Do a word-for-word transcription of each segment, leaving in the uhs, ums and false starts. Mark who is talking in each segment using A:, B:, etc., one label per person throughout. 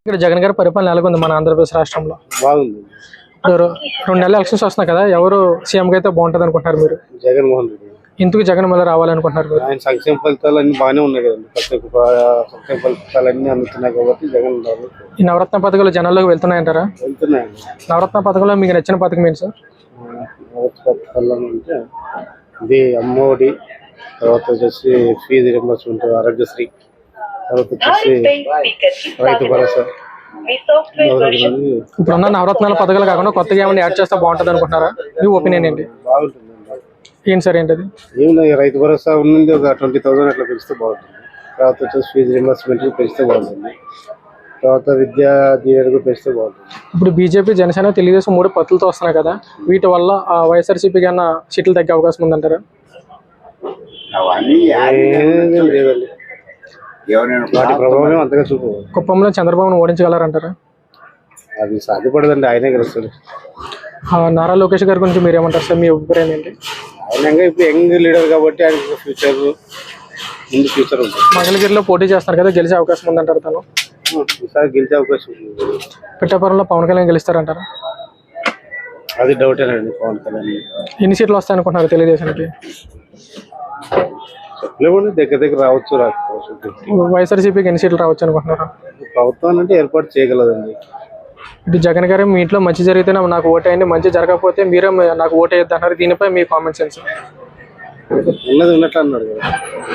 A: ఇక్కడ జగన్ గారి పరిపాలన ఎలాగుంది మన ఆంధ్రప్రదేశ్ రాష్ట్రంలో?
B: బాగుంది.
A: ఇప్పుడు రెండు నెలల ఎలక్షన్స్ వస్తున్నాయి కదా, ఎవరు సీఎంగా అయితే బాగుంటుంది అనుకుంటున్నారు మీరు?
B: జగన్మోహన్ రెడ్డి.
A: ఎందుకు జగన్ మళ్ళీ రావాలనుకుంటున్నారు మీరు?
B: ఆయన సంక్షేమ ఫలితాలు అన్ని బాగానే ఉన్నాయి కదండి. ప్రతి ఒక్క సంక్షేమ ఫలితాలు అన్ని అందుతున్నాయి కాబట్టి జగన్ రావాలి.
A: ఈ నవరత్న పథకాలు జనాల్లోకి వెళ్తున్నాయంటారా?
B: వెళ్తున్నాయండి.
A: నవరత్న పథకంలో మీకు నచ్చిన పథకం ఏంటి సార్?
B: నవరత్న పథకాల్లో అంటే ఇది అమ్మఒడి, తర్వాత వచ్చేసి ఫీజు రింబర్స్మెంట్, ఆరోగ్యశ్రీ, తర్వాత వచ్చేసి రైతు భరోసా.
A: ఇప్పుడున్న నవరత్నాల పథకాలు కాకుండా కొత్తగా ఏమైనా యాడ్ చేస్తే బాగుంటుంది అనుకుంటున్నారా? మీ ఒపీనియన్ ఏంటి?
B: బాగుంటుంది.
A: ఏంటి సార్ ఏంటది?
B: ఏమి రైతు భరోసా ఉన్నది ఒక ట్వంటీ థౌసండ్ అట్లా పెంచితే బాగుంటుంది. తర్వాత వచ్చేసి ఫీజు రింబర్స్మెంట్ పెంచితే బాగుంటుంది. తర్వాత విద్యా దీవెనకు పెంచితే బాగుంటుంది.
A: ఇప్పుడు బీజేపీ, జనసేన, తెలుగుదేశం మూడు పత్తులతో వస్తున్నాయి కదా, వీటి వల్ల వైఎస్ఆర్సీపీకి అన్న సీట్లు తగ్గే అవకాశం ఉందంటారా?
B: లేదండి, వాటి ప్రభావం అంతగా చూపు.
A: కుప్పంలో చంద్రబాబును ఓడించగలరంటారా?
B: అది సాధ్యపడదండి, ఆయనే గెలుస్తాడు.
A: నారా లోకేష్ గారి గురించి మీరు ఏమంటారు సార్? మీ అభిప్రాయం ఏంటి?
B: ఆయన ఇప్పుడు యంగ్ లీడర్ కాబట్టి ఆయనకు ఫ్యూచర్ ముందు ఫ్యూచర్ ఉంటుంది.
A: మంగళగిరిలో పోటీ చేస్తున్నారు కదా, గెలిచే అవకాశం ఉందంటారు తను?
B: ఈసారి గెలిచే అవకాశం ఉంది.
A: పిఠాపురంలో పవన్ కళ్యాణ్ గెలుస్తారంటారా?
B: అది డౌటేనండి. పవన్ కళ్యాణ్
A: ఎన్ని సీట్లు వస్తాయి అనుకుంటున్నారు తెలుగుదేశానికి?
B: లేకుంటే దగ్గర దగ్గర రావచ్చు, రాకపోవచ్చు.
A: వైఎస్ఆర్సీపీకి ఎన్ని సీట్లు రావచ్చు అనుకుంటున్నారు?
B: ప్రభుత్వం అంటే ఏర్పాటు చేయగలదండి.
A: ఇటు జగన్ గారు మీ ఇంట్లో మంచి జరిగితే నాకు ఓటేయండి, మంచి జరగకపోతే మీరే నాకు ఓటేయద్దు అన్నారు. దీనిపై మీ కామెంట్స్ ఏంటి సార్?
B: ఉన్నది ఉన్నట్లు అన్నాడు కదా.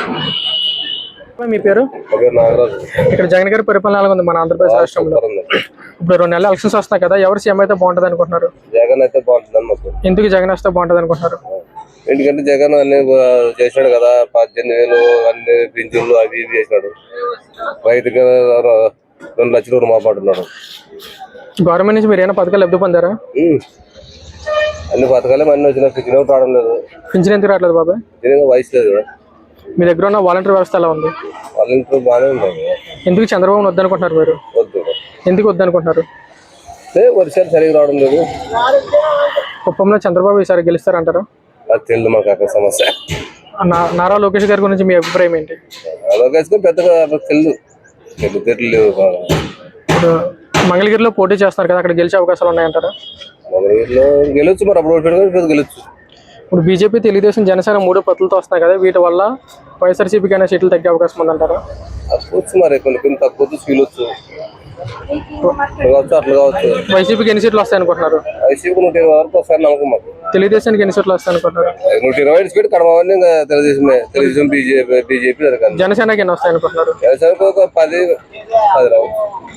A: మీ పేరు? ఇక్కడ జగన్ గారి పరిపాలన ఎలా ఉంది మన ఆంధ్రప్రదేశ్ రాష్ట్రంలో? ఇప్పుడు రెండు నెలల ఎలక్షన్స్ వస్తాయి కదా, ఎవరు సీఎం అయితే బాగుంటుంది అనుకుంటున్నారు?
C: జగన్ అయితే బాగుంటుంది.
A: ఎందుకు జగన్ వస్తే బాగుంటుంది అనుకుంటున్నారు?
C: ఎందుకంటే జగన్ అన్ని చేసినాడు కదా, పద్దెనిమిది వేలు అన్ని పింఛన్లు అవి ఇవి చేసినాడు. రైతుకి రెండు లక్షలు రుణమాపాటున్నాడు.
A: గవర్నమెంట్ నుంచి మీరు ఏమైనా పథకాలు లబ్ధి పొందారా?
C: అన్ని పథకాలే అన్ని వచ్చినా పింఛన్ ఒకటి రావడం లేదు.
A: పింఛన్ ఎందుకు రావట్లేదు బాబాయ్?
C: వయసు లేదు కదా.
A: మీ దగ్గర ఉన్న వాలంటీర్ వ్యవస్థ ఎలా ఉంది?
C: వాలంటీర్ బాగానే ఉంది.
A: ఎందుకు చంద్రబాబు వద్దనుకుంటున్నారు మీరు?
C: వద్దు. ఎందుకు
A: వద్దనుకుంటున్నారు?
C: వర్షాలు సరిగ్గా రావడం లేదు.
A: కుప్పంలో చంద్రబాబు ఈసారి గెలుస్తారంటారా?
C: అది తెలియదు మాకు అక్కడ సమస్య.
A: నారా లోకేష్ గారి గురించి మీ అభిప్రాయం ఏంటి?
C: లోకేష్ పెద్దగా తెలియదు, తెలియదు.
A: ఇప్పుడు మంగళగిరిలో పోటీ చేస్తారు కదా, అక్కడ గెలిచే అవకాశాలు ఉన్నాయంటారా?
C: మంగళగిరిలో గెలవచ్చు, మరి అప్పుడు గెలవచ్చు.
A: ఇప్పుడు బీజేపీ, తెలుగుదేశం, జనసేన మూడు పత్తులతో వస్తున్నాయి కదా, వీటి వల్ల వైఎస్ఆర్సీపీకి అయినా సీట్లు తగ్గే అవకాశం ఉందంటారా?
C: తక్కువచ్చు, మరి కొన్ని కొన్ని తక్కువ ఫీలొచ్చు, అట్లా కావచ్చు.
A: వైసీపీకి ఎన్ని సీట్లు వస్తాయి అనుకుంటున్నారు?
C: వైసీపీకి నూట ఇరవై వరకు వస్తాయని నమ్మకం మాకు.
A: తెలుగుదేశానికి ఎన్ని సీట్లు వస్తాయి అనుకుంటున్నారు?
C: నూట ఇరవై ఐదు సీట్లు కడమని ఇంకా తెలుగుదేశమే. తెలుగుదేశం, బీజేపీ బీజేపీ జరగాలి.
A: జనసేనకి ఎన్ని వస్తాయి అనుకుంటున్నారు?
C: జనసేనకు ఒక పది పది రావు.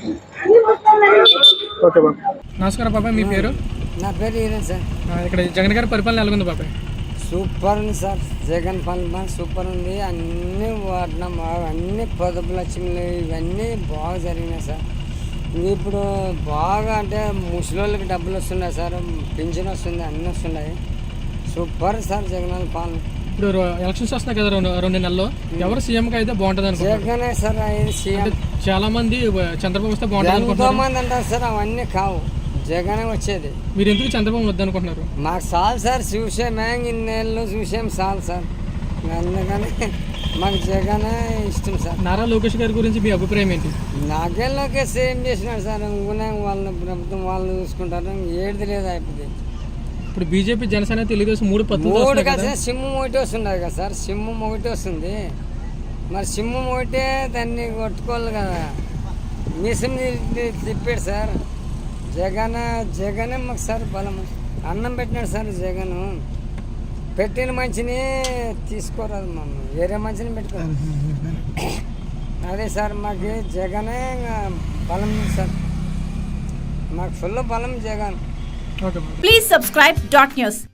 A: ఓకే బాబు. నమస్కారం బాబాయ్, మీ పేరు?
D: నా పేరు ఈరన్ సార్.
A: ఇక్కడ జగన్ గారి పరిపాలన ఎలా ఉంది బాబాయ్?
D: సూపర్ ఉంది సార్, జగన్ పాలన సూపర్ ఉంది. అన్నీ వాడినాం, అన్ని పొదుపు లక్ష్మిలు ఇవన్నీ బాగా జరిగినాయి సార్. ఇప్పుడు బాగా అంటే ముసలోళ్ళకి డబ్బులు వస్తున్నాయి సార్, పింఛన్ వస్తుంది, అన్నీ వస్తున్నాయి. సూపర్ సార్ జగన్ పాలన.
A: ఇప్పుడు ఎలక్షన్స్ వస్తున్నాయి కదా, రెండు రెండు నెలల్లో ఎవరు సీఎంకి అయితే బాగుంటుంది అనుకుంటున్నారు?
D: జగనే సార్ అయ్యేది సీఎం.
A: చాలా మంది చంద్రబాబు వస్తే బాగుంటుంది
D: ఎంతో మంది అంటారు సార్, అవన్నీ కావు, జగనే వచ్చేది.
A: మీరు ఎందుకు చంద్రబాబు వద్దనుకుంటున్నారు?
D: మాకు చాలు సార్, చూసామే ఇన్నేళ్ళు చూసాం చాలు సార్, అందుకని మాకు జగనే ఇష్టం సార్.
A: నారా లోకేష్ గారి గురించి మీ అభిప్రాయం ఏంటి?
D: నాకేం లోకేష్ ఏం చేసినాడు సార్, ఇంకొనే వాళ్ళ ప్రభుత్వం వాళ్ళు చూసుకుంటారు, ఏది లేదు అయిపోయింది.
A: ఇప్పుడు బీజేపీ, జనసేన, తెలుగుదేశం మూడు పత్తులు
D: మూడు కలిసి సింహం ఒకటి వస్తుంది కదా సార్, సింహం ఒకటి వస్తుంది. మరి సింహం ఒకటే దాన్ని కొట్టుకోవాలి కదా, మిషన్ తిప్పాడు సార్ జగన్. జగనే మాకు సార్ బలం, అన్నం పెట్టినాడు సార్ జగన్. పెట్టిన మంచిని తీసుకోరాదు మమ్మల్ని, వేరే మంచిని పెట్టుకోవాలి. అదే సార్ మాకు జగనే బలం సార్, మాకు ఫుల్ బలం Jagan.
E: Please subscribe dot news.